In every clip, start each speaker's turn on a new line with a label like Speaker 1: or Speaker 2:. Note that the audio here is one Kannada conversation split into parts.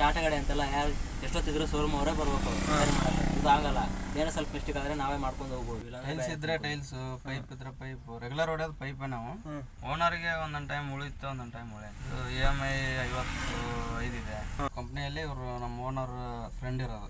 Speaker 1: ಟಾಟಾ ಗಾಡಿ ಅಂತೆಲ್ಲ ಯಾರು ಎಷ್ಟೊತ್ತಿದ್ರು ಶೋರೂಮ್ ಅವರೇ ಬರ್ಬೇಕು ಸರಿ ಮಾಡಕ್ಕೆ. ಇದು ಆಗಲ್ಲ, ಏನೋ ಸ್ವಲ್ಪ ಮಿಸ್ಟೇಕ್ ಆದರೆ ನಾವೇ ಮಾಡ್ಕೊಂಡು ಹೋಗ್ಬೋದು.
Speaker 2: ಟೈಲ್ಸ್ ಇದ್ರೆ ಟೈಲ್ಸ್, ಪೈಪ್ ಇದ್ರೆ ಪೈಪ್, ರೆಗ್ಯುಲರ್ ಹೊಡೆಯೋದು ಪೈಪೇ ನಾವು. ಓನರ್ಗೆ ಒಂದೊಂದು ಟೈಮ್ ಉಳಿತು, ಒಂದೊಂದು ಟೈಮ್ ಉಳಿಯುತ್ತೆ. EMI 55 ಇದೆ. ಕಂಪ್ನಿಯಲ್ಲಿ ಇವರು ನಮ್ಮ ಓನರ್ ಫ್ರೆಂಡ್ ಇರೋದು.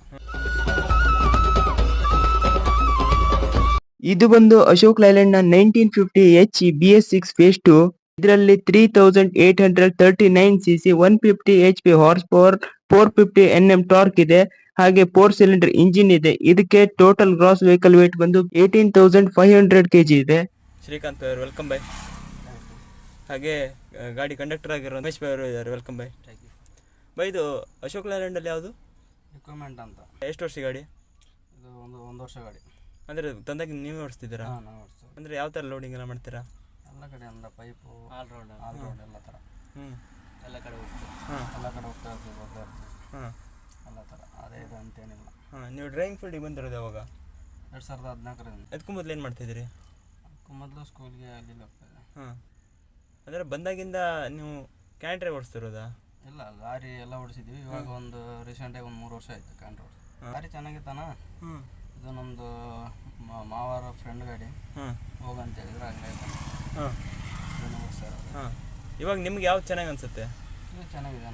Speaker 3: ಇದು ಬಂದು ಅಶೋಕ್ ಲೈಲ್ಯಾಂಡ್ ನ 1950 HE BS6 ಫೇಸ್ 2. ಇದರಲ್ಲಿ 3839 cc 150 HP horse power 450 Nm torque ಇದೆ. ಹಾಗೆ 4 ಸಿಲಿಂಡರ್ ಇಂಜಿನ್ ಇದೆ. ಇದಕ್ಕೆ ಟೋಟಲ್ ಗ್ರಾಸ್ ವೆಹಿಕಲ್ ವೇಟ್ ಬಂದು 18,500 kg ಇದೆ.
Speaker 4: ಶ್ರೀಕಾಂತ್ ಅವರು ವೆಲ್ಕಮ್ ಬೈ. ಹಾಗೆ ಗಾಡಿ ಕಂಡಕ್ಟರ್ ಆಗಿರೋ ರಮೇಶ್ ಬೈ ಅವರು ಇದ್ದಾರೆ, ವೆಲ್ಕಮ್ ಬೈ. ಬೈ ಇದು ಅಶೋಕ್ ಲೈಲ್ಯಾಂಡಲ್ಲಿ ಯಾವುದು
Speaker 2: ರಿಕ್ವೈರ್ಮೆಂಟ್ ಅಂತ.
Speaker 4: ಎಷ್ಟು ವರ್ಷ ಗಾಡಿ?
Speaker 2: ಇದು ಒಂದು ವರ್ಷ ಗಾಡಿ.
Speaker 4: ಅಂದರೆ ತಂದಾಗಿ ನೀವೇ ಓಡಿಸ್ತಿದ್ದೀರಾ?
Speaker 2: ನಾವು ಓಡಿಸ್ತೀವಿ.
Speaker 4: ಅಂದರೆ ಯಾವ ಥರ ಲೋಡಿಂಗ್ ಎಲ್ಲ ಮಾಡ್ತೀರಾ?
Speaker 2: ಎಲ್ಲ ಕಡೆ ಅಂದ್ರೆ ಪೈಪು,
Speaker 1: ಆಲ್ ರೌಂಡ್
Speaker 2: ಎಲ್ಲ ಥರ.
Speaker 1: ಎಲ್ಲ ಕಡೆ ಹೋಗ್ತೀವಿ.
Speaker 2: ಎಲ್ಲ ಕಡೆ ಹೋಗ್ತಾ ಇರ್ತೀವಿ, ಬರ್ತಾ ಇರ್ತೀವಿ. ಎಲ್ಲ ಥರ ಅದೇ ಇದೆ ಅಂತೇನಿಲ್ಲ.
Speaker 4: ನೀವು ಡ್ರೈವಿಂಗ್ ಫೀಲ್ಡಿಗೆ ಬಂದಿರೋದು ಯಾವಾಗ?
Speaker 2: 2014ರಿಂದ.
Speaker 4: ಅದಕ್ಕೂ ಮೊದಲು ಏನು ಮಾಡ್ತಿದ್ದೀರಿ?
Speaker 2: ಅದಕ್ಕೂ ಮೊದಲು ಸ್ಕೂಲ್ಗೆ ಅಲ್ಲಿ ಹೋಗ್ತಾ ಇದ್ದೆ.
Speaker 4: ಅಂದರೆ ಬಂದಾಗಿಂದ ನೀವು ಕ್ಯಾಂಟ್ರೆ ಓಡಿಸ್ತಿರೋದಾ?
Speaker 2: ಇಲ್ಲ, ಲಾರಿ ಎಲ್ಲ ಓಡಿಸಿದ್ವಿ. ಇವಾಗ ಒಂದು ರೀಸೆಂಟಾಗಿ ಒಂದು 3 ವರ್ಷ ಆಯಿತು ಕ್ಯಾಂಟ್ರ್ ಓಡಿಸಿ. ಲಾರಿ ಚೆನ್ನಾಗಿತ್ತಾನ. ಇದು ನಮ್ಮದು ಮಾವರ ಫ್ರೆಂಡ್ ಗಾಡಿ, ಹೋಗಂತ ಹೇಳಿದ್ರೆ ಹಂಗಾಯ್ತು.
Speaker 4: ಇವಾಗ ನಿಮ್ಗೆ ಯಾವ್ದು ಚೆನ್ನಾಗಿ ಅನಿಸುತ್ತೆ?
Speaker 2: ಇದು ಚೆನ್ನಾಗಿದೆನಾ.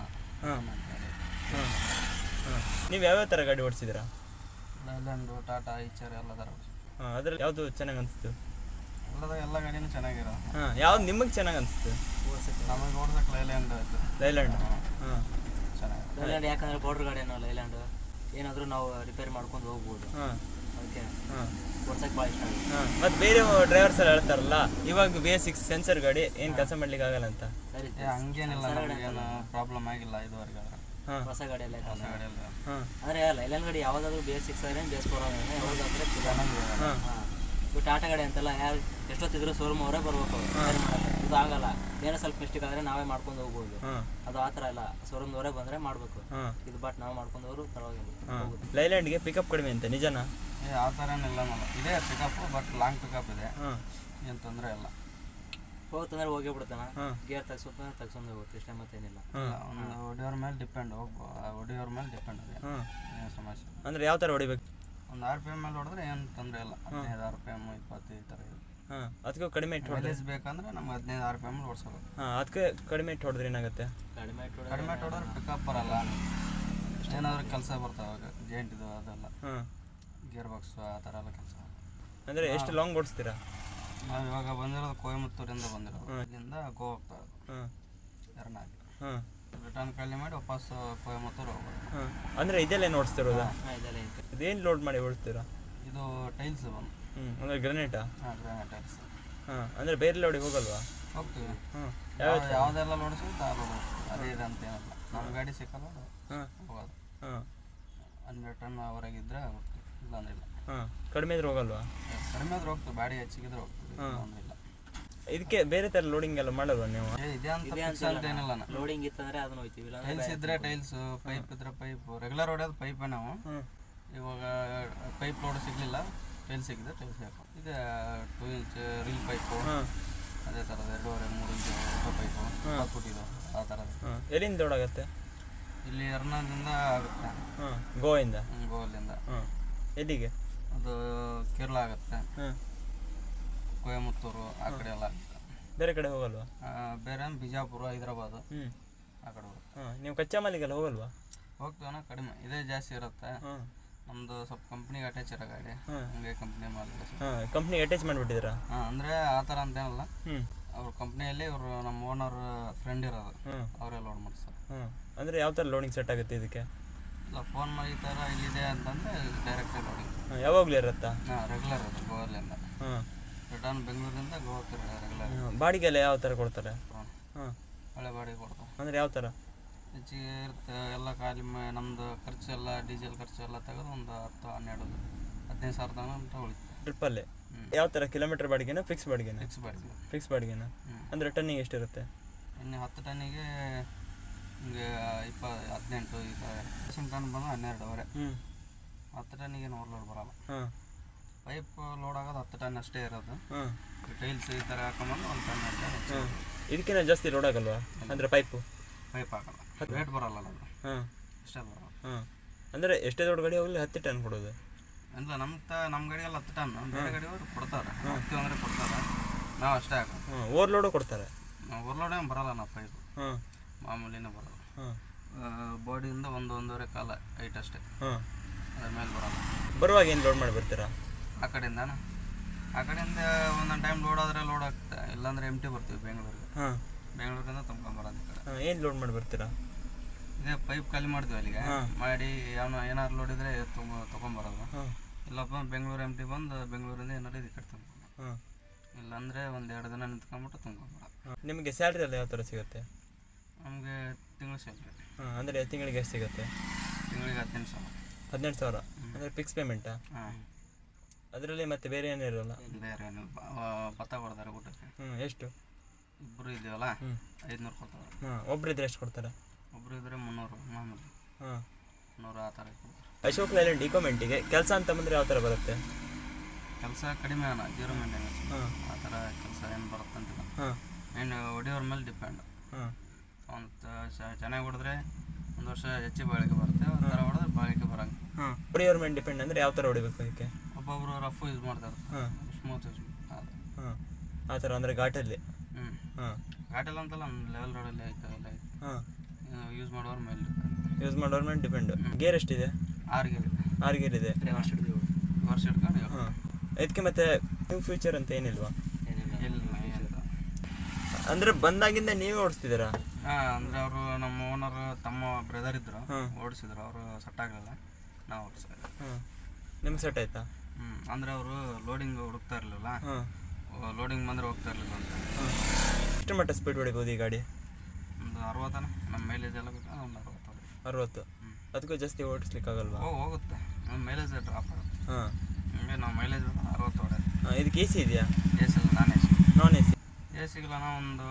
Speaker 4: ನೀವು ಯಾವ್ಯಾವ ಥರ ಗಾಡಿ ಓಡಿಸಿದ್ದೀರಾ?
Speaker 2: ಲೈಲ್ಯಾಂಡು, ಟಾಟಾ, ಈಚರ್ ಎಲ್ಲ ಥರ ಓಡಿಸಿ.
Speaker 4: ಅದ್ರಲ್ಲಿ ಯಾವುದು ಚೆನ್ನಾಗಿ ಅನಿಸ್ತು?
Speaker 2: ಎಲ್ಲ ಗಾಡಿನೂ ಚೆನ್ನಾಗಿರೋ.
Speaker 4: ಯಾವ್ದು ನಿಮಗೆ ಚೆನ್ನಾಗಿ ಅನಿಸ್ತು?
Speaker 2: ನಮಗೆ ಓಡ್ಸಕ್ಕೆ ಲೈಲ್ಯಾಂಡ್ ಆಯಿತು.
Speaker 4: ಲೈಲ್ಯಾಂಡ್
Speaker 2: ಚೆನ್ನಾಗಿ.
Speaker 1: ಲೈಲ್ಯಾಂಡ್ ಯಾಕಂದ್ರೆ ಪೌಡ್ರ್ ಗಾಡಿನೋ ಲೈಲ್ಯಾಂಡ್ ಏನಾದರೂ ನಾವು ರಿಪೇರಿ ಮಾಡ್ಕೊಂಡು ಹೋಗ್ಬೋದು. ಅದಕ್ಕೆ ಓಡ್ಸಕ್ಕೆ ಭಾಳ ಇಷ್ಟ ಆಗುತ್ತೆ.
Speaker 4: ಮತ್ತು ಬೇರೆ ಡ್ರೈವರ್ಸ್ ಎಲ್ಲ ಹೇಳ್ತಾರಲ್ಲ ಇವಾಗ BS6 ಸೆನ್ಸರ್ ಗಾಡಿ ಏನು ಕೆಲಸ ಮಾಡ್ಲಿಕ್ಕೆ ಆಗಲ್ಲ ಅಂತ.
Speaker 1: ಸರಿ,
Speaker 2: ಹಂಗೇನಿಲ್ಲ, ಏನು ಪ್ರಾಬ್ಲಮ್ ಆಗಿಲ್ಲ ಇದುವರೆಗೆ.
Speaker 1: ಹೊಸ ಗಾಡಿಯಲ್ಲ
Speaker 2: ಹೊಸ ಗಾಡಿಯಲ್ಲಿ
Speaker 1: ಅಂದರೆ ಲೈಲ್ಯಾಂಡ್ ಗಾಡಿ ಯಾವ್ದಾದ್ರು BS6 ಆದ್ರೆ BS4 ಯಾವ್ದಾದ್ರೆ
Speaker 2: ಚೆನ್ನಾಗಿದೆ.
Speaker 1: ಇದು ಟಾಟಾ ಗಾಡಿ ಅಂತೆಲ್ಲ ಯಾರು ಎಷ್ಟೊತ್ತಿದ್ರು ಶೋರೂಮ್ ಅವರೇ ಬರ್ಬೇಕು ಸರಿ ಮಾಡಕ್ಕೆ. ಇದು ಆಗಲ್ಲ, ಏನೋ ಸ್ವಲ್ಪ ಮಿಸ್ಟೇಕ್ ಆದರೆ ನಾವೇ ಮಾಡ್ಕೊಂಡು ಹೋಗ್ಬೋದು. ಅದು ಆ ಥರ ಇಲ್ಲ, ಶೋರೂಮ್ದವರೇ ಬಂದರೆ ಮಾಡಬೇಕು. ಇದು ಬಟ್ ನಾವು ಮಾಡ್ಕೊಂಡು ಹೋದ್ರು ಪರವಾಗಿಲ್ಲ.
Speaker 4: ಲೈಲ್ಯಾಂಡ್ಗೆ ಪಿಕಪ್ ಕಡಿಮೆ ಅಂತ ನಿಜನಾ?
Speaker 2: ಆ ಥರ ಏನಿಲ್ಲ, ಇದೆ ಪಿಕಪ್, ಬಟ್ ಲಾಂಗ್ ಪಿಕಪ್ ಇದೆ, ಏನು ತೊಂದರೆ ಇಲ್ಲ.
Speaker 1: ಹೋಗ್ತಂದ್ರೆ ಹೋಗೇ ಬಿಡ್ತಾನ, ಗೇರ್ ತೆಗ್ಸ್ಕೊಂಡು ಹೋಗುತ್ತೆ ಇಷ್ಟೇ, ಮತ್ತೇನಿಲ್ಲ.
Speaker 2: ಒಂದು ಹೊಡಿಯೋರ ಮೇಲೆ ಡಿಪೆಂಡ್, ಹೊಡಿಯೋರ ಮೇಲೆ ಡಿಪೆಂಡ್ ಇದೆ, ಏನು ಸಮಸ್ಯೆ.
Speaker 4: ಅಂದರೆ ಯಾವ ಥರ ಹೊಡಿಬೇಕು?
Speaker 2: ಒಂದು RPM ಮೇಲೆ ಹೊಡೆದ್ರೆ ಏನು ತೊಂದರೆ ಇಲ್ಲ. 15 RPM 20 ಈ ಥರ ಇದೆ.
Speaker 4: ಅದಕ್ಕೂ ಕಡಿಮೆ ಇಟ್ಟು
Speaker 2: ಮೈಲೇಜ್ ಬೇಕಂದ್ರೆ ನಮ್ಗೆ 15 RPM ಓಡಿಸೋದು.
Speaker 4: ಅದಕ್ಕೆ ಕಡಿಮೆ ಇಟ್ಟು ಹೊಡೆದ್ರೆ ಏನಾಗುತ್ತೆ?
Speaker 1: ಕಡಿಮೆ
Speaker 2: ಹೊಡೆದ್ರೆ ಪಿಕಪ್ ಬರಲ್ಲ, ಏನಾದರೂ ಕೆಲಸ ಬರ್ತಾವೆ, ಜೇಂಟಿದು ಅದೆಲ್ಲ, ಗೇರ್ ಬಾಕ್ಸ್ ಆ ಥರ ಎಲ್ಲ ಕೆಲಸ.
Speaker 4: ಅಂದರೆ ಎಷ್ಟು ಲಾಂಗ್ ಓಡಿಸ್ತೀರಾ?
Speaker 2: ನಾವು ಇವಾಗ ಬಂದಿರೋದು ಕೊಯಮತ್ತೂರಿಂದ ಬಂದಿರೋದು, ಇಲ್ಲಿಂದ ಗೋವಾ ಹೋಗ್ತಾ ಇರೋದು ಎರನಾಗಿ. ರಿಟರ್ನ್ ಖಾಲಿ ಮಾಡಿ ವಾಪಸ್ ಕೊಯಮತ್ತೂರು ಹೋಗ್ಬೋದು.
Speaker 4: ಅಂದರೆ ಇದೆಲ್ಲ ಓಡಿಸ್ತಿರೋದಾ?
Speaker 1: ಇದೆಲ್ಲ
Speaker 4: ಇದೇನು ಲೋಡ್ ಮಾಡಿ ಓಡಿಸ್ತೀರಾ?
Speaker 2: ಇದು ಟೈಲ್ಸ್ ಬಂದು.
Speaker 4: ಅಂದರೆ ಗ್ರನೇಟಾ?
Speaker 2: Granite tiles.
Speaker 4: ಅಂದರೆ ಬೇರೆ ಲೋಡಿಗೆ ಹೋಗಲ್ವಾ?
Speaker 2: ಹೋಗ್ತೀವಿ, ಯಾವುದೆಲ್ಲ ನೋಡಿಸಿದ್ರೆ ಆ ರೋಡ್ ಹೋಗ್ತೀವಿ, ಅದೇ ಇದೆ ಅಂತೇನಿಲ್ಲ. ನಮ್ಮ ಗಾಡಿ ಸಿಕ್ಕಲ್ಲ ಹೋಗೋದು. 100 ಟನ್ ಹೊರಗಿದ್ರೆ ಹೋಗ್ತೀವಿ, ಇಲ್ಲಾಂದ್ರೆ ಇಲ್ಲ.
Speaker 4: ಕಡಿಮೆ ಇದ್ರೆ ಹೋಗಲ್ವಾ?
Speaker 2: ಕಡಿಮೆ ಆದ್ರೆ ಹೋಗ್ತೀವಿ, ಬಾಡಿ ಹೆಚ್ಚಿಗಿದ್ರೆ ಹೋಗ್ತೀವಿ, ಇಲ್ಲ.
Speaker 4: ಇದಕ್ಕೆ ಬೇರೆ ಥರ ಲೋಡಿಂಗ್ ಎಲ್ಲ ಮಾಡಲ್ವಾ ನೀವು?
Speaker 2: ಇದೆ ಅಂತ ಏನಿಲ್ಲ.
Speaker 1: ಲೋಡಿಂಗ್ ಇತ್ತಂದ್ರೆ ಅದನ್ನ ಹೋಯ್ತೀವಿ.
Speaker 2: ಟೈಲ್ಸ್ ಇದ್ರೆ ಟೈಲ್ಸ್, ಪೈಪ್ ಇದ್ರೆ ಪೈಪ್, ರೆಗ್ಯುಲರ್ ಹೊಡೆಯೋದು ಪೈಪೇ ನಾವು. ಇವಾಗ ಪೈಪ್ ಲೋಡ್ ಸಿಗಲಿಲ್ಲ, ಟೈಲ್ಸ್ ಸಿಕ್ಕಿದೆ, ಟೈಲ್ಸ್ ಹಾಕೋ. ಇದೆ 2 ಇಂಚ್ ರೀಲ್ ಪೈಪು, ಅದೇ ಥರದ 2.5-3 ಇಂಚ್ ಪೈಪು, 10 ಫುಟ್ ಇದು, ಆ ಥರದ್ದು.
Speaker 4: ಎಲ್ಲಿಂದ ಲೋಡ್ ಆಗುತ್ತೆ?
Speaker 2: ಇಲ್ಲಿ ಎರ್ನಾದಿಂದ ಆಗುತ್ತೆ,
Speaker 4: ಗೋವಿಂದ.
Speaker 2: ಗೋವಲ್ಲಿಂದ
Speaker 4: ಎಲ್ಲಿಗೆ?
Speaker 2: ಅದು ಕೇರಳ ಆಗುತ್ತೆ, ಕೊಯಮತ್ತೂರು ಆ ಕಡೆ ಎಲ್ಲ ಆಗುತ್ತೆ.
Speaker 4: ಬೇರೆ ಕಡೆ ಹೋಗಲ್ವಾ?
Speaker 2: ಬೇರೆ ಬಿಜಾಪುರ, ಹೈದರಾಬಾದು ಆ ಕಡೆ ಹೋಗುತ್ತೆ.
Speaker 4: ನೀವು ಕಚ್ಚಾ ಮಾಲಿಗೆಲ್ಲ ಹೋಗಲ್ವಾ?
Speaker 2: ಹೋಗ್ತೀವನ, ಕಡಿಮೆ, ಇದೇ ಜಾಸ್ತಿ ಇರುತ್ತೆ. ನಮ್ಮದು ಸ್ವಲ್ಪ ಕಂಪ್ನಿಗೆ ಅಟ್ಯಾಚ್ ಇರೋ ಗಾಡಿ, ಹಂಗೆ ಕಂಪ್ನಿ ಮಾಲ್
Speaker 4: ಕಂಪ್ನಿಗೆ ಅಟ್ಯಾಚ್ ಮಾಡಿಬಿಟ್ಟಿದ್ದೀರಾ?
Speaker 2: ಅಂದರೆ ಆ ಥರ ಅಂತೇನಲ್ಲ, ಅವ್ರ ಕಂಪ್ನಿಯಲ್ಲಿ ಇವರು ನಮ್ಮ ಓನರ್ ಫ್ರೆಂಡ್ ಇರೋದು, ಅವರೇ ಲೋಡ್ ಮಾಡಿಸ್ತಾರೆ.
Speaker 4: ಅಂದರೆ ಯಾವ ಥರ ಲೋಡಿಂಗ್ ಸೆಟ್ ಆಗುತ್ತೆ ಇದಕ್ಕೆ?
Speaker 2: ಇಲ್ಲ, ಫೋನ್ ಮಾಡಿ ಈ ಥರ ಇಲ್ಲಿದೆ ಅಂತಂದರೆ ಡೈರೆಕ್ಟಾಗಿ ಲೋಡಿಂಗ್.
Speaker 4: ಯಾವಾಗಲೂ ಇರುತ್ತಾ?
Speaker 2: ರೆಗ್ಯುಲರ್ ಅದು ಗೋವಲ್ಲಿಂದ. ರಿಟರ್ನ್ ಬೆಂಗಳೂರಿಂದ ಗೋವಾಕ್ಕೆ ರೆಗ್ಯುಲರ್.
Speaker 4: ಬಾಡಿಗೆಲ್ಲ ಯಾವ ಥರ ಕೊಡ್ತಾರೆ?
Speaker 2: ಒಳ್ಳೆ ಬಾಡಿಗೆ ಕೊಡ್ತಾರೆ.
Speaker 4: ಅಂದರೆ ಯಾವ ಥರ?
Speaker 2: ಹೆಚ್ಚಿಗೆ ಇರುತ್ತೆ ಎಲ್ಲ, ಖಾಲಿ ನಮ್ಮದು ಖರ್ಚು ಎಲ್ಲ, ಡೀಸೆಲ್ ಖರ್ಚು ಎಲ್ಲ ತೆಗೆದು ಒಂದು 10-12-15 ಸಾವಿರ ತನಕ ಅಂತ ಉಳಿತು
Speaker 4: ಟ್ರಿಪ್ಪಲ್ಲಿ. ಯಾವ ಥರ ಕಿಲೋಮೀಟರ್ ಬಾಡಿಗೆನ ಫಿಕ್ಸ್ ಬಾಡಿಗೆನ? ಫಿಕ್ಸ್ ಬಾಡಿಗೆನ. ಅಂದರೆ ಟನ್ನಿಗೆ ಎಷ್ಟಿರುತ್ತೆ?
Speaker 2: ಇನ್ನು 10 ಟನ್ನಿಗೆ ಹಿಂಗೆ 18 ಈ ಥರ. 10 ಟನ್ ಬಂದು 12.5. 10 ಟನ್ನಿಗೆ 100 ಲೋಡ್ ಬರೋಲ್ಲ. ಪೈಪ್ ಲೋಡ್ ಆಗೋದು 10 ಟನ್ ಅಷ್ಟೇ ಇರೋದು. ಟೈಲ್ಸ್ ಈ ಥರ ಹಾಕೊಂಡ್ಬಂದು 1 ಟನ್.
Speaker 4: ಇದಕ್ಕಿಂತ ಜಾಸ್ತಿ ಲೋಡ್ ಆಗಲ್ವಾ? ಅಂದರೆ ಪೈಪ್
Speaker 2: ಹಾಕಲ್ಲ, ರೇಟ್ ಬರಲ್ಲ ಅದು. ಅಷ್ಟೇ ಬರೋದು.
Speaker 4: ಹಾಂ, ಅಂದರೆ ಎಷ್ಟೇ ದೊಡ್ಡ ಗಾಡಿ ಹೋಗಲಿ 10 ಟನ್ ಕೊಡೋದು?
Speaker 2: ಇಲ್ಲ, ನಮ್ಮ ಗಾಡಿಗೆಲ್ಲ 10 ಟನ್, ಬೇರೆ ಗಾಡಿಯವರು ಕೊಡ್ತಾರೆ, ಹತ್ತು ಅಂದರೆ ಕೊಡ್ತಾರೆ, ನಾವು ಅಷ್ಟೇ ಹಾಕೋದು.
Speaker 4: ಹಾಂ, ಓವರ್ಲೋಡು ಕೊಡ್ತಾರೆ?
Speaker 2: ಓವರ್ಲೋಡ್ ಏನು ಬರೋಲ್ಲ ನಾವು ಪೈಪು,
Speaker 4: ಹಾಂ,
Speaker 2: ಮಾಮೂಲಿನೇ ಬರೋದು.
Speaker 4: ಹಾಂ,
Speaker 2: ಬಾಡಿಯಿಂದ 1-1.5 ಕಾಲ ಹೈಟ್ ಅಷ್ಟೇ,
Speaker 4: ಹಾಂ.
Speaker 2: ಅದ್ರ ಮೇಲೆ ಬರೋಲ್ಲ.
Speaker 4: ಬರುವಾಗ ಏನು ಲೋಡ್ ಮಾಡಿ ಬರ್ತೀರಾ?
Speaker 2: ಆ ಕಡೆಯಿಂದ ಒಂದೊಂದು ಟೈಮ್ ಲೋಡ್ ಆದರೆ ಲೋಡ್ ಆಗ್ತದೆ, ಇಲ್ಲಾಂದರೆ ಎಂಟಿ ಬರ್ತೀವಿ ಬೆಂಗಳೂರಿಗೆ.
Speaker 4: ಹಾಂ,
Speaker 2: ಬೆಂಗಳೂರಿಂದ ತುಂಬ್ಕೊಂಬರೋದು ಈ ಕಡೆ.
Speaker 4: ಹಾಂ. ಏನು ಲೋಡ್ ಮಾಡಿ ಬರ್ತೀರಾ?
Speaker 2: ಇದೇ ಪೈಪ್ ಖಾಲಿ ಮಾಡ್ತೀವಿ ಅಲ್ಲಿಗೆ, ಮಾಡಿ ಏನಾದ್ರು ಲೋಡ್ ಇದ್ದರೆ ತೊಗೊಂಬರೋದು.
Speaker 4: ಹಾಂ,
Speaker 2: ಇಲ್ಲಪ್ಪ ಬೆಂಗಳೂರು ಎಂಟಿ ಬಂದು ಬೆಂಗಳೂರಿಂದ ಏನಾರು ಈ ಕಡೆ ತುಂಬ್ಕೊಂಡು,
Speaker 4: ಹಾಂ.
Speaker 2: ಇಲ್ಲಾಂದರೆ 1-2 ದಿನ ನಿಂತ್ಕೊಂಬಿಟ್ಟು ತುಂಬ್ಕೊಂಬರೋದು.
Speaker 4: ನಿಮಗೆ ಸ್ಯಾಲ್ರಿ ಎಲ್ಲ ಯಾವ ಥರ ಸಿಗುತ್ತೆ?
Speaker 2: ನಮಗೆ ತಿಂಗಳು ಸ್ಯಾಲ್ರಿ.
Speaker 4: ಹಾಂ, ಅಂದರೆ ತಿಂಗಳಿಗೆ ಎಷ್ಟು ಸಿಗುತ್ತೆ?
Speaker 2: ತಿಂಗಳಿಗೆ 18,000.
Speaker 4: 18,000 ಅಂದರೆ ಫಿಕ್ಸ್ ಪೇಮೆಂಟಾ?
Speaker 2: ಹಾಂ,
Speaker 4: ಅದರಲ್ಲಿ ಮತ್ತೆ ಬೇರೆ ಏನೂ ಇರೋಲ್ಲ?
Speaker 2: ಬೇರೆ ಏನಿಲ್ಲ. ಭತ್ತ ಕೊಡ್ತಾರೆ ಊಟಕ್ಕೆ.
Speaker 4: ಎಷ್ಟು?
Speaker 2: ಇಬ್ಬರು ಇದ್ದೀವಲ್ಲ, 500 ಕೊಡ್ತಾರೆ.
Speaker 4: ಹಾಂ, ಒಬ್ಬರಿದ್ರೆ ಎಷ್ಟು ಕೊಡ್ತಾರೆ?
Speaker 2: ಒಬ್ಬರು ಇದ್ದರೆ 300 ಮಾಮೂಲಿ,
Speaker 4: ಹಾಂ.
Speaker 2: 100 ಆ ಥರ ಕೊಡ್ತಾರೆ.
Speaker 4: ಅಶೋಕ್ ಲೈಲ್ಯಾಂಡ್ ಇಕೋಮೆಂಟಿಗೆ ಕೆಲಸ ಅಂತ ಬಂದರೆ ಯಾವ ಥರ ಬರುತ್ತೆ?
Speaker 2: ಕೆಲಸ ಕಡಿಮೆ ಅಣ್ಣ, 0 ಮೇಂಟೆನೆನ್ಸ್,
Speaker 4: ಹಾಂ,
Speaker 2: ಆ ಥರ ಕೆಲಸ ಏನು ಬರುತ್ತಂತಿಲ್ಲ.
Speaker 4: ಹಾಂ,
Speaker 2: ಏನು ಹೊಡಿಯೋರ ಮೇಲೆ ಡಿಪೆಂಡ್.
Speaker 4: ಹಾಂ.
Speaker 2: ಒಂದು ಚೆನ್ನಾಗಿ ಹೊಡೆದ್ರೆ 1 ವರ್ಷ ಹೆಚ್ಚಿಗೆ ಬಾಳಿಕೆ ಬರುತ್ತೆ, ಒಂದು ಥರ ಹೊಡೆದ್ರೆ ಬಾಳಿಕೆ ಬರೋಂಗೆ.
Speaker 4: ಹಾಂ, ಹೊಡಿಯೋರ್ ಮೇಲೆ ಡಿಪೆಂಡ್ ಅಂದರೆ ಯಾವ ಥರ ಹೊಡಿಬೇಕು ಅದಕ್ಕೆ?
Speaker 2: ಒಬ್ಬೊಬ್ಬರು ರಫ್ ಯೂಸ್ ಮಾಡ್ತಾರೆ,
Speaker 4: ಹಾಂ,
Speaker 2: ಸ್ಮೂತ್ ಯೂಸ್.
Speaker 4: ಹಾಂ, ಆ ಥರ ಅಂದರೆ ಘಾಟಲ್ಲಿ?
Speaker 2: ಹ್ಞೂ,
Speaker 4: ಹಾಂ,
Speaker 2: ಘಾಟೆಲ್ಲ ಅಂತಲ್ಲ, ಲೆವೆಲ್ ರೋಡಲ್ಲಿ ಆಯ್ತು ಎಲ್ಲ ಆಯ್ತು.
Speaker 4: ಹಾಂ.
Speaker 2: ಯೂಸ್ ಮಾಡೋರ ಮೇಲೆ
Speaker 4: ಯೂಸ್ ಮಾಡೋರ ಮೇಲೆ ಡಿಪೆಂಡು. ಗೇರ್ ಎಷ್ಟಿದೆ?
Speaker 2: 6 ಗೇರ್ ಇದೆ.
Speaker 4: 6 ಗೇರ್ ಇದೆ.
Speaker 2: ವರ್ಷ ಹಿಡ್ಕೊಂಡು
Speaker 4: ಹಾಂ. ಇದಕ್ಕೆ ಮತ್ತೆ ನ್ಯೂ ಫ್ಯೂಚರ್ ಅಂತ ಏನಿಲ್ವಾ?
Speaker 2: ಇಲ್ಲ ಅಂತ.
Speaker 4: ಅಂದರೆ ಬಂದಾಗಿಂದ ನೀವೇ ಓಡಿಸ್ತಿದ್ದೀರಾ?
Speaker 2: ಹಾಂ, ಅಂದರೆ ಅವರು ನಮ್ಮ ಓನರ್ ತಮ್ಮ ಬ್ರದರ್ ಇದ್ದರು,
Speaker 4: ಹಾಂ.
Speaker 2: ಓಡಿಸಿದ್ರು. ಅವರು ಸೆಟ್ ಆಗಲಿಲ್ಲ, ನಾವು ಓಡಿಸಿದ್ವಿ.
Speaker 4: ಹಾಂ, ನಿಮ್ಗೆ ಸೆಟ್ ಆಯ್ತಾ?
Speaker 2: ಅಂದರೆ ಅವರು ಲೋಡಿಂಗ್ ಹುಡುಕ್ತಾ ಇರಲಿಲ್ಲ,
Speaker 4: ಹಾಂ,
Speaker 2: ಲೋಡಿಂಗ್ ಬಂದರೆ ಹೋಗ್ತಾ ಇರಲಿಲ್ಲ ಅಂತ.
Speaker 4: ಹಾಂ. ಎಷ್ಟು ಮಟ್ಟ ಸ್ಪೀಡ್ ಹೊಡಿಬೋದು ಈ ಗಾಡಿ?
Speaker 2: ಒಂದು 60 ನಮ್ಮ ಮೈಲೇಜ್ ಎಲ್ಲ ಬೇಕಾದ್ರೆ ಒಂದು 60 ಹೊಡಿ.
Speaker 4: 60? ಅದಕ್ಕೂ ಜಾಸ್ತಿ ಓಡಿಸ್ಲಿಕ್ಕಾಗಲ್ವಾ?
Speaker 2: ಹೋಗುತ್ತೆ, ನಮ್ಮ ಮೈಲೇಜ್ ಡ್ರಾಪ್ ಆಗುತ್ತೆ.
Speaker 4: ಹಾಂ,
Speaker 2: ಹಂಗೆ ನಾವು ಮೈಲೇಜ್ 60 ಹೊಡೆಯೋದು.
Speaker 4: ಹಾಂ. ಇದಕ್ಕೆ ಎ ಸಿ ಇದೆಯಾ?
Speaker 2: ಎ ಸಿ ಇಲ್ಲ, non A C.
Speaker 4: Non A C?
Speaker 2: A ಸಿಗಿಲ್ಲ, ಒಂದು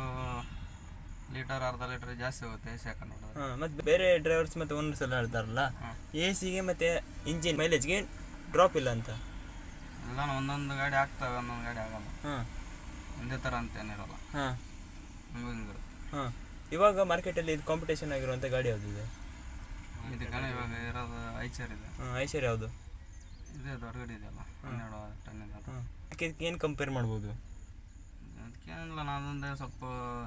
Speaker 2: ಲೀಟರ್ ಅರ್ಧ ಲೀಟರ್ ಜಾಸ್ತಿ ಹೋಗುತ್ತೆ ಎ ಸಿ ಹಾಕೊಂಡು ಹೊಡೆದ್ರೆ.
Speaker 4: ಹಾಂ, ಮತ್ತು ಬೇರೆ ಡ್ರೈವರ್ಸ್ ಮತ್ತು ಓನರ್ಸ್ ಎಲ್ಲ ಹೇಳ್ತಾರಲ್ಲ ಎ ಸಿಗೆ ಮತ್ತು ಇಂಜಿನ್ ಮೈಲೇಜ್ಗೆ ಡ್ರಾಪ್ ಇಲ್ಲ ಅಂತ.
Speaker 2: ಇಲ್ಲ, ಒಂದೊಂದು ಗಾಡಿ ಆಗ್ತವೆ, ಒಂದೊಂದು ಗಾಡಿ ಆಗಲ್ಲ.
Speaker 4: ಹಾಂ,
Speaker 2: ಒಂದೇ ಥರ ಅಂತ ಏನಿರಲ್ಲ.
Speaker 4: ಹಾಂ,
Speaker 2: ಹಿಂಗಿರುತ್ತೆ.
Speaker 4: ಹಾಂ. ಇವಾಗ ಮಾರ್ಕೆಟಲ್ಲಿ ಇದು ಕಾಂಪಿಟೇಷನ್ ಆಗಿರುವಂಥ ಗಾಡಿ ಯಾವುದಿದೆ?
Speaker 2: ಇದಕ್ಕೆ ಇವಾಗ ಇರೋದು ಐಚರ್ ಇದೆ.
Speaker 4: ಹಾಂ, ಐಶ್ವರ್ಯ ಯಾವುದು?
Speaker 2: ಇದೆ ದೊಡ್ಡ ಗಾಡಿ ಇದೆಯಲ್ಲ, 12 ಟನ್ ಇದೆ ಅದು.
Speaker 4: ಹಾಂ. ಇದಕ್ಕೆ ಏನು ಕಂಪೇರ್ ಮಾಡ್ಬೋದು?
Speaker 2: ಅದಕ್ಕೇನಿಲ್ಲ, ನಾನೊಂದೇ ಸ್ವಲ್ಪ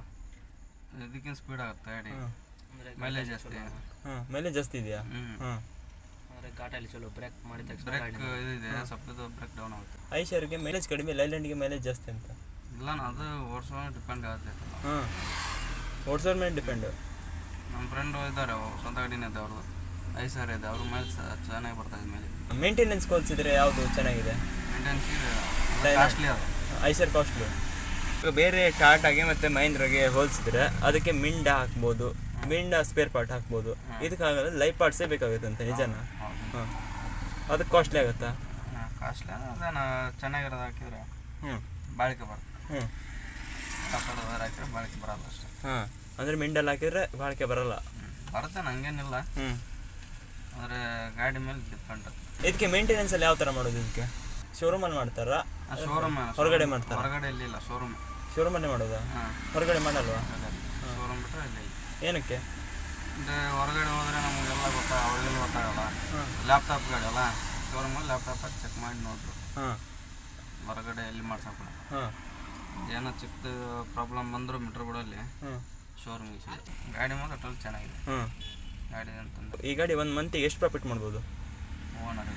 Speaker 2: ಇದಕ್ಕಿಂತ ಸ್ಪೀಡ್ ಆಗುತ್ತೆ ಗಾಡಿ,
Speaker 4: ಹಾಂ.
Speaker 2: ಮೈಲೇಜ್ ಜಾಸ್ತಿ.
Speaker 4: ಹಾಂ, ಮೈಲೇಜ್ ಜಾಸ್ತಿ ಇದೆಯಾ? ಹಾಂ.
Speaker 1: ಅಂದರೆ ಘಾಟಲ್ಲಿ ಚಲೋ ಬ್ರೇಕ್ ಮಾಡಿದ ತಕ್ಷಣ
Speaker 2: ಬ್ರೇಕ್ ಇದಿದೆ, ಸ್ವಲ್ಪ ಇದು ಬ್ರೇಕ್ ಡೌನ್ ಆಗುತ್ತೆ.
Speaker 4: ಐಶ್ವರ್ಯಗೆ ಮೈಲೇಜ್ ಕಡಿಮೆ, ಲೈಲ್ಯಾಂಡ್ಗೆ ಮೈಲೇಜ್ ಜಾಸ್ತಿ ಅಂತ?
Speaker 2: ಇಲ್ಲ, ಅದು ಓಡಿಸೋ ಡಿಪೆಂಡ್ ಆಗುತ್ತೈತಲ್ಲ.
Speaker 4: ಹಾಂ, ಓಡಿಸೋರ ಮೇಲೆ ಡಿಪೆಂಡು.
Speaker 2: ನಮ್ಮ ಫ್ರೆಂಡು ಇದ್ದಾರೆ, ಸ್ವಂತ ಗಾಡಿನೇ ಇದೆ ಅವ್ರದ್ದು, ಐಸರ್ ಇದೆ, ಅವ್ರ ಮೇಲೆ ಚೆನ್ನಾಗಿ ಬರ್ತಾಯಿದೆ ಮೇಲೆ.
Speaker 4: ಮೇಂಟೆನೆನ್ಸ್ ಹೋಲಿಸಿದ್ರೆ ಯಾವುದು ಚೆನ್ನಾಗಿದೆ?
Speaker 2: ಮೇಂಟೆನೆನ್ಸ್ ಕಾಸ್ಟ್ಲಿ ಅದು.
Speaker 4: Eicher costly. ಈಗ ಬೇರೆ ಟಾಟಾಗೆ ಮತ್ತು ಮಹೀಂದ್ರಾಗೆ ಹೋಲಿಸಿದ್ರೆ ಅದಕ್ಕೆ ಮಿಂಡ ಹಾಕ್ಬೋದು, ಮಿಂಡ ಸ್ಪೇರ್ ಪಾರ್ಟ್ ಹಾಕ್ಬೋದು. ಇದಕ್ಕಾಗಲ್ಲ, ಲೈಫ್ ಪಾರ್ಟ್ಸೇ ಬೇಕಾಗುತ್ತೆ ಅಂತ, ನಿಜನಾ? ಹಾಂ. ಅದಕ್ಕೆ ಕಾಸ್ಟ್ಲಿ ಆಗುತ್ತಾ?
Speaker 2: ಕಾಸ್ಟ್ಲಿ ಅದೇನು ಚೆನ್ನಾಗಿರೋದು ಹಾಕಿದ್ರೆ
Speaker 4: ಹ್ಞೂ
Speaker 2: ಬಾಳಿಕೆ ಬರುತ್ತೆ.
Speaker 4: ಹ್ಞೂ.
Speaker 2: ಕಾಪಾಡೋದು ಹಾಕಿದ್ರೆ ಬಾಳಿಕೆ ಬರಲ್ಲ ಅಷ್ಟೇ.
Speaker 4: ಹಾಂ, ಅಂದರೆ ಮಿಂಡಲ್ಲಿ ಹಾಕಿದ್ರೆ ಬಾಳಿಕೆ ಬರಲ್ಲ?
Speaker 2: ಬರುತ್ತೆ, ಹಂಗೇನಿಲ್ಲ.
Speaker 4: ಹ್ಞೂ.
Speaker 2: ಅಂದರೆ ಗಾಡಿ ಮೇಲೆ ಡಿಪೆಂಡ್.
Speaker 4: ಇದಕ್ಕೆ ಮೇಂಟೆನೆನ್ಸಲ್ಲಿ ಯಾವ ಥರ ಮಾಡೋದು? ಇದಕ್ಕೆ ಶೋರೂಮಲ್ಲಿ ಮಾಡ್ತಾರಾ?
Speaker 2: ಶೋರೂಮ್
Speaker 4: ಹೊರಗಡೆ ಮಾಡ್ತಾರಾ?
Speaker 2: ಹೊರಗಡೆ ಇಲ್ಲಿಲ್ಲ,
Speaker 4: ಶೋರೂಮಲ್ಲೇ ಮಾಡೋದಾ?
Speaker 2: ಹಾಂ,
Speaker 4: ಹೊರಗಡೆ ಮಾಡಲ್ವಾ?
Speaker 2: ಶೋರೂಮ್ ಬಿಟ್ಟರೆ ಇಲ್ಲಿ.
Speaker 4: ಏನಕ್ಕೆ?
Speaker 2: ಅಂದರೆ ಹೊರಗಡೆ ಹೋದರೆ ನಮಗೆಲ್ಲ ಅವ್ರಿಗೆಲ್ಲ ಗೊತ್ತಾಗಲ್ಲ. ಲ್ಯಾಪ್ಟಾಪ್ ಗಾಡಿ ಅಲ್ಲ, ಶೋರೂಮಲ್ಲಿ ಲ್ಯಾಪ್ಟಾಪ್ ಚೆಕ್ ಮಾಡಿ ನೋಡ್ರು.
Speaker 4: ಹಾಂ.
Speaker 2: ಹೊರಗಡೆ ಎಲ್ಲಿ ಮಾಡ್ಸೋಕೆ
Speaker 4: ಹಾಂ.
Speaker 2: ಏನೋ ಚಿಕ್ಕ ಪ್ರಾಬ್ಲಮ್ ಬಂದರೂ ಮೀಟ್ರ್ ಬಿಡಲ್ಲಿ ಶೋರೂಮಿಗೆ ಸಿಗುತ್ತೆ. ಗಾಡಿ ಮಾತ್ರ ಟೋಲ್ ಚೆನ್ನಾಗಿದೆ.
Speaker 4: ಹಾಂ.
Speaker 2: ಗಾಡಿ ಅಂತಂದ್ರೆ
Speaker 4: ಈ ಗಾಡಿ ಒಂದು ಮಂತಿಗೆ ಎಷ್ಟು ಪ್ರಾಫಿಟ್ ಮಾಡ್ಬೋದು?
Speaker 2: ಓನರ್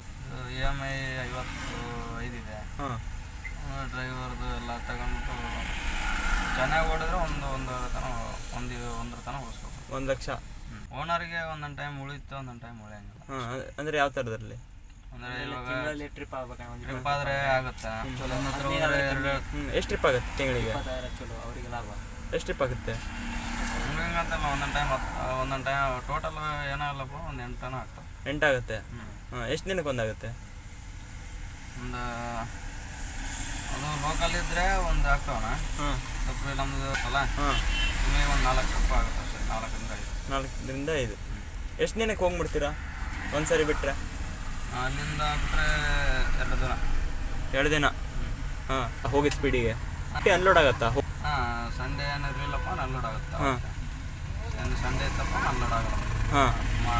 Speaker 2: EMI 55 ಇದೆ.
Speaker 4: ಹಾಂ.
Speaker 2: ಡ್ರೈವರ್ದು ಎಲ್ಲ ತಗೊಂಡ್ಬಿಟ್ಟು ಚೆನ್ನಾಗಿ ಓಡಿದ್ರೆ ಒಂದರ ತನಕ ಓಡಿಸ್ಬೇಕು.
Speaker 4: 1 ಲಕ್ಷ.
Speaker 2: ಓನರ್ಗೆ ಒಂದೊಂದು ಟೈಮ್ ಉಳಿಯುತ್ತೆ, ಒಂದೊಂದು ಟೈಮ್ ಉಳಿಯಂಗಿಲ್ಲ.
Speaker 4: ಹಾಂ, ಅಂದರೆ ಯಾವ ಥರದಲ್ಲಿ?
Speaker 2: ಅಂದರೆ ಇವಾಗ
Speaker 1: ಟ್ರಿಪ್ ಆಗ್ಬೇಕು,
Speaker 2: ಟ್ರಿಪ್ ಆದರೆ ಆಗುತ್ತೆ.
Speaker 4: ಎಷ್ಟು ಟ್ರಿಪ್ ಆಗುತ್ತೆ ತಿಂಗಳಿಗೆ?
Speaker 1: 20,000 ಚಲೋ, ಅವರಿಗೆ ಲಾಭ.
Speaker 4: ಎಷ್ಟು ಟ್ರಿಪ್ ಆಗುತ್ತೆ?
Speaker 2: ಹಂಗಂತಲ್ಲ, ಒಂದೊಂದು ಟೈಮ್ ಟೋಟಲ್ ಏನೋ ಇಲ್ಲಪ್ಪ, ಒಂದು 8 ಟನ್ ಆಗ್ತವೆ.
Speaker 4: 8 ಆಗುತ್ತೆ? ಹಾಂ. ಎಷ್ಟು ದಿನಕ್ಕೆ ಒಂದಾಗುತ್ತೆ?
Speaker 2: ಒಂದು ಅದು ಲೋಕಲ್ ಇದ್ದರೆ ಒಂದು ಆಗ್ತಾವಣ.
Speaker 4: ಹಾಂ.
Speaker 2: ಸ್ವಲ್ಪ ನಮ್ಮದು ಅಲ್ಲ,
Speaker 4: ಹಾಂ.
Speaker 2: ನಿಮಗೆ ಒಂದು 4 ಟ್ರಿಪ್ ಆಗುತ್ತೆ ಅಷ್ಟೇ, 4ರಿಂದ 5.
Speaker 4: 4ರಿಂದ 5. ಎಷ್ಟು ದಿನಕ್ಕೆ ಹೋಗ್ಬಿಡ್ತೀರಾ ಒಂದು ಸರಿ ಬಿಟ್ಟರೆ?
Speaker 2: ಅಲ್ಲಿಂದ ಬಿಟ್ಟರೆ 2 ದಿನ.
Speaker 4: 2 ದಿನ? ಹಾಂ. ಹೋಗಿದ್ದು ಸ್ಪೀಡಿಗೆ ಅನ್ಲೋಡ್ ಆಗುತ್ತಾ?
Speaker 2: ಹಾಂ, ಸಂಡೇ ಏನಾದ್ರು ಇಲ್ಲಪ್ಪ ಅನ್ಲೋಡ್ ಆಗುತ್ತೆ.
Speaker 4: ಹಾಂ.
Speaker 2: ಸಂಡೇ ಇತ್ತಪ್ಪ ಅನ್ಲೋಡ್ ಆಗಲ್ಲ.
Speaker 4: ಹಾಂ.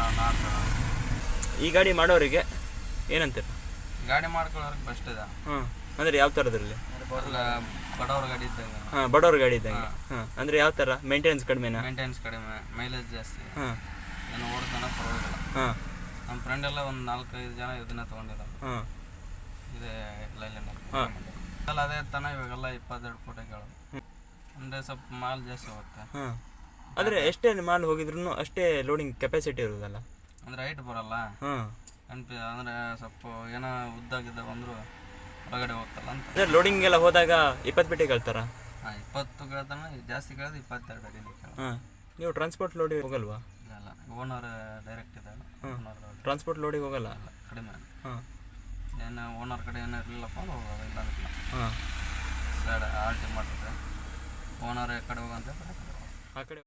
Speaker 4: ಈ ಗಾಡಿ ಮಾಡೋರಿಗೆ ಏನಂತೀರ?
Speaker 2: ಗಾಡಿ ಮಾಡ್ಕೊಳ್ಳೋರಿಗೆ ಬೆಸ್ಟ್ ಇದೆ.
Speaker 4: ಹಾಂ, ಅಂದರೆ ಯಾವ ಥರದ್ರಲ್ಲಿ?
Speaker 2: ಬಡವ್ರ ಗಾಡಿ ಇದ್ದಂಗೆ.
Speaker 4: ಹಾಂ, ಬಡವ್ರ ಗಾಡಿ ಇದ್ದಂಗೆ. ಹಾಂ, ಅಂದರೆ ಯಾವ ಥರ? ಮೇಂಟೆನೆನ್ಸ್ ಕಡಿಮೆನಾ?
Speaker 2: ಮೇಂಟೆನೆನ್ಸ್ ಕಡಿಮೆ, ಮೈಲೇಜ್ ಜಾಸ್ತಿ.
Speaker 4: ಹಾಂ
Speaker 2: ಏನು ಓಡ್ತಾನೆ ಪರವಾಗಿಲ್ಲ.
Speaker 4: ಹಾಂ
Speaker 2: ನಮ್ಮ ಫ್ರೆಂಡ್ ಎಲ್ಲ ಒಂದು 4-5 ಜನ ಇದನ್ನ ತೊಗೊಂಡಿರೋದು.
Speaker 4: ಹಾಂ
Speaker 2: ಇದೇ ಲೈಲ್ಯಾಂಡಲ್ಲಿ.
Speaker 4: ಹಾಂ.
Speaker 2: ಅಲ್ಲ ಅದೇ ತಾನೆ ಇವಾಗೆಲ್ಲ 22 ಕೋಟಿ ಕೇಳೋದು. ಅಂದರೆ ಸ್ವಲ್ಪ ಮಾಲ್ ಜಾಸ್ತಿ ಹೋಗುತ್ತೆ.
Speaker 4: ಹಾಂ, ಆದರೆ ಎಷ್ಟೇ ಮಾಲ್ ಹೋಗಿದ್ರು ಅಷ್ಟೇ ಲೋಡಿಂಗ್ ಕೆಪಾಸಿಟಿ ಇರೋದಲ್ಲ.
Speaker 2: ಅಂದರೆ ಹೈಟ್ ಬರಲ್ಲ.
Speaker 4: ಹಾಂ,
Speaker 2: ಅಂದರೆ ಸ್ವಲ್ಪ ಏನೋ ಉದ್ದಾಗಿದ್ದ ಬಂದರೂ ಹೊರಗಡೆ ಹೋಗ್ತಲ್ಲ ಅಂತ.
Speaker 4: ಅಂದರೆ ಲೋಡಿಂಗ್ ಎಲ್ಲ ಹೋದಾಗ 20 ಪೆಟ್ಟಿ ಕೇಳ್ತಾರ?
Speaker 2: ಹಾಂ, 20 ಕೇಳ್ತಾನೆ, ಜಾಸ್ತಿ ಕೇಳಿದ್ರೆ 22 ಅಡಿ ಕೇಳೋದು.
Speaker 4: ಹಾಂ, ನೀವು ಟ್ರಾನ್ಸ್ಪೋರ್ಟ್ ಲೋಡಿಗೆ ಹೋಗಲ್ವಾ?
Speaker 2: ಇಲ್ಲ, ಓನರ್ ಡೈರೆಕ್ಟ್ ಇದೆ. ಓನರ್
Speaker 4: ಟ್ರಾನ್ಸ್ಪೋರ್ಟ್ ಲೋಡಿಗೆ ಹೋಗಲ್ಲ?
Speaker 2: ಕಡಿಮೆ.
Speaker 4: ಹಾಂ,
Speaker 2: ಏನು ಓನರ್ ಕಡೆ ಏನೋ ಇರಲಿಲ್ಲಪ್ಪ ಅಂದ್ರೆ ಹೋಗೋದು, ಇಲ್ಲ ಅಂತಿಲ್ಲ.
Speaker 4: ಹಾಂ,
Speaker 2: ಸೈಡ್ ಆಲ್ಟಿ ಮಾಡ್ತಾರೆ. ಓನರ್ ಕಡೆ ಹೋಗಂತ
Speaker 4: ಆ ಕಡೆ